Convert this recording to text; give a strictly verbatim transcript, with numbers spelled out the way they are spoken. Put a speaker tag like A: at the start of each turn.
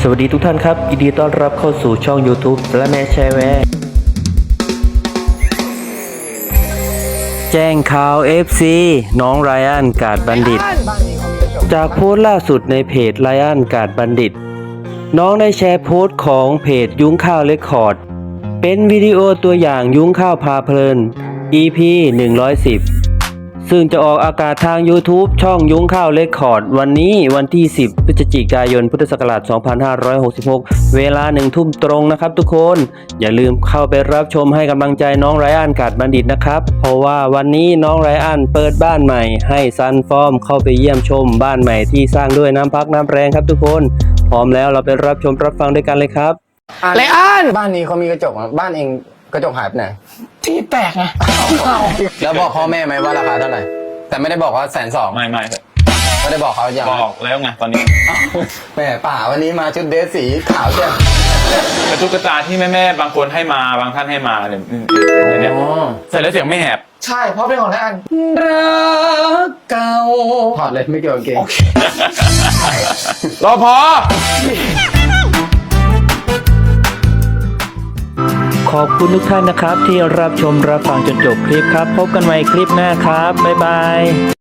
A: วัสดีทุกท่านครับยินดีต้อนรับเข้าสู่ช่อง YouTube และแม่แชร์แวร์แจ้งข่าว เอฟ ซี น้องไรอันกาดบัณฑิต จากโพสต์ล่าสุดในเพจไรอันกาดบัณฑิต น้องได้แชร์โพสต์ของเพจยุ้งข้าวเรคคอร์ด เป็นวิดีโอตัวอย่างยุ้งข้าวพาเพลิน อี พี หนึ่งร้อยสิบ ซึ่งจะออกอากาศทาง YouTube ช่องยุ้งข้าวเรคคอร์ดวันนี้วันที่ สิบ พฤศจิกายน พุทธศักราช สองพันห้าร้อยหกสิบหก เวลาหนึ่งทุ่มตรงนะครับทุกคน อย่าลืมเข้าไปรับชมให้กำลังใจน้องไรอันกาดบัณฑิตนะครับ เพราะว่าวันนี้น้องไรอันเปิดบ้านใหม่ให้ซันฟอร์มเข้าไปเยี่ยมชมบ้านใหม่ที่สร้างด้วยน้ำพักน้ำแรงครับทุกคน พร้อมแล้วเราไปรับชมรับฟังด้วยกันเลยครับ
B: ไรอัน
C: บ้านนี้เขามีกระจกอ่ะบ้านเองกระจกหายไปไหน
B: ที่แตกไง
C: แล้วบอกพ่อแม่ไหมว่าราคาเท่าไหร่แต่ไม่ได้บอกว่าแสนสอง
D: ไม่ไม่
C: ไม่ได้บอกเขาอย่าง
D: บอกแล้วไงตอนนี้
C: แม่ป่าวันนี้มาชุดเดรสสีขาวเชียว
D: กระตุกกระตาที่แม่แม่ๆบางคนให้มาบางท่านให้มาเนี่ยเนี่ยใส่แล้วเสียงไม่แหบ
B: ใช่เพราะเป็นของไรอัน
C: รักเก่าถอดเลยไม่เกี่ยวกับเกง
D: รอพอ
A: ขอบคุณทุกท่านนะครับที่รับชมรับฟังจนจบคลิปครับ พบกันใหม่คลิปหน้าครับบ๊ายบาย